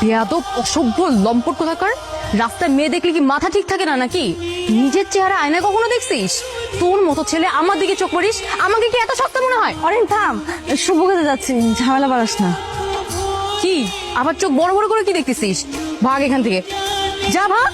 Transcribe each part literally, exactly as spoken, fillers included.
বেয়াদব অসভ্য লম্পট কোথাকার। রাস্তায় মেয়ে দেখলে কি মাথা ঠিক থাকে না নাকি? নিজের চেহারা আয়নায় কখনো দেখছিস? তোর মতো ছেলে আমার দিকে চোখ পড়িস, আমাকে কি এত সস্তা মনে হয়? অরেন থাম, শুভ কাজে যাচ্ছি, ঝামেলা বাড়াস না। কি আবার চোখ বড় বড় করে কি দেখতেছিস? ভাগ এখান থেকে, যা ভাগ।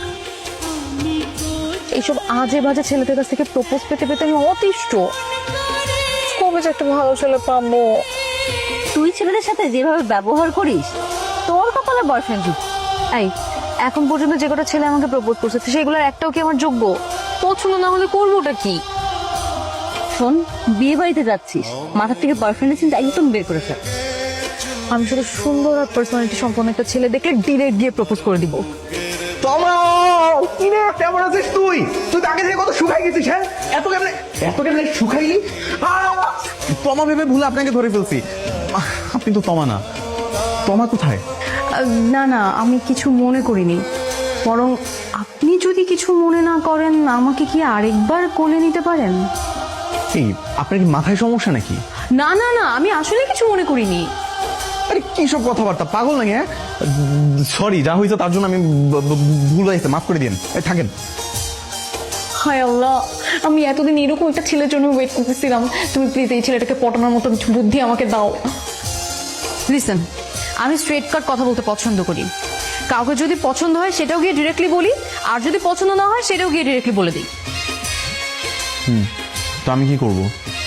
এইসব আজে বাজে ছেলেদের কাছ থেকে প্রপোজ পেতে পেতে আমি অতিষ্ঠ। কবে যে একটা ভালো ছেলে পাবো? তুই ছেলেদের সাথে যেভাবে ব্যবহার করিস, তোর কপালে বয়ফ্রেন্ড জুট। এই এখন পর্যন্ত যে কটা ছেলে আমাকে প্রপোজ করছে সেগুলোর একটাও কি আমার যোগ্য? পছন্দ না হলে করবোটা কি? শোন, বিয়ে বাড়িতে যাচ্ছিস, মাথার থেকে বয়ফ্রেন্ডের চিন্তা একদম বের করে ফেল। আমি শুধু সুন্দর আর পার্সোনালিটি সম্পন্ন একটা ছেলে দেখলে ডিরেক্ট গিয়ে প্রপোজ করে দিব। তোমরা কি রে, কেমন আছিস তুই? তুই তাকে দিয়ে কত শুকাই গেছিস, হ্যাঁ? এত কেমনে এত কেমনে শুকাইলি? তমা ভেবে ভুলে আপনাকে ধরে ফেলছি। আহ, আপনি তো তমা না। তমা কোথায়? না না, আমি কিছু মনে করিনি। বরং আপনি যদি কিছু মনে না করেন, আমাকে কি আরেকবার কোলে নিতে পারেন? এই আপনার কি মাথায় সমস্যা নাকি? না না না, আমি আসলে কিছু মনে করিনি। আরে কি সব কথাবার্তা, পাগল নাকি? হ্যাঁ, সরি, যা হয়েছে তার জন্য আমি ব- ব- ভুল হয়েছে, মাফ করে দিন। এই থাকেন। হায় আল্লাহ, আমি এতদিন এরকম একটা ছেলের জন্য ওয়েট করতেছিলাম। তুমি প্লিজ এই ছেলেটাকে পটানোর মতো কিছু বুদ্ধি আমাকে দাও। লিসেন, আমি স্ট্রেট কাট কথা বলতে পছন্দ করি। কাউকে যদি পছন্দ হয় সেটাও গিয়ে ডিরেক্টলি বলি, আর যদি পছন্দ না হয় সেটাও গিয়ে ডিরেক্টলি বলে দিই। হুম, তো আমি কি করব?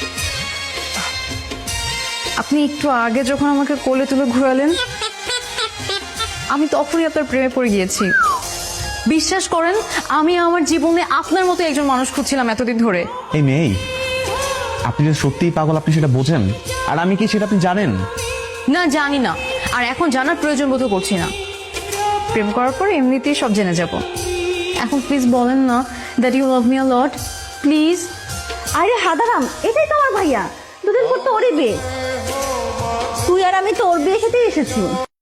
আপনি একটু আগে যখন আমাকে কোলে তুলে ঘোরালেন, আমি তখনই আপনার প্রেমে পড়ে গিয়েছি। বিশ্বাস করেন, আমি আমার জীবনে আপনার মতো একজন মানুষ খুঁজছিলাম এতদিন ধরে। এই মেয়ে, আপনি যে সত্যিই পাগল আপনি সেটা বোঝেন, আর আমি কি সেটা আপনি জানেন? না, জানি না, আর এখন জানার প্রয়োজন বোধ করছি না। প্রেম করার পর এমনিতেই সব জেনে যাব। এখন প্লিজ বলেন না that you love me a lot, please. আরে হাদারাম, এটাই তো আমার ভাইয়া, দুদিন পর তো ওরই বিয়ে। তুই আর আমি তো ওর বিয়ে খেতে এসেছি।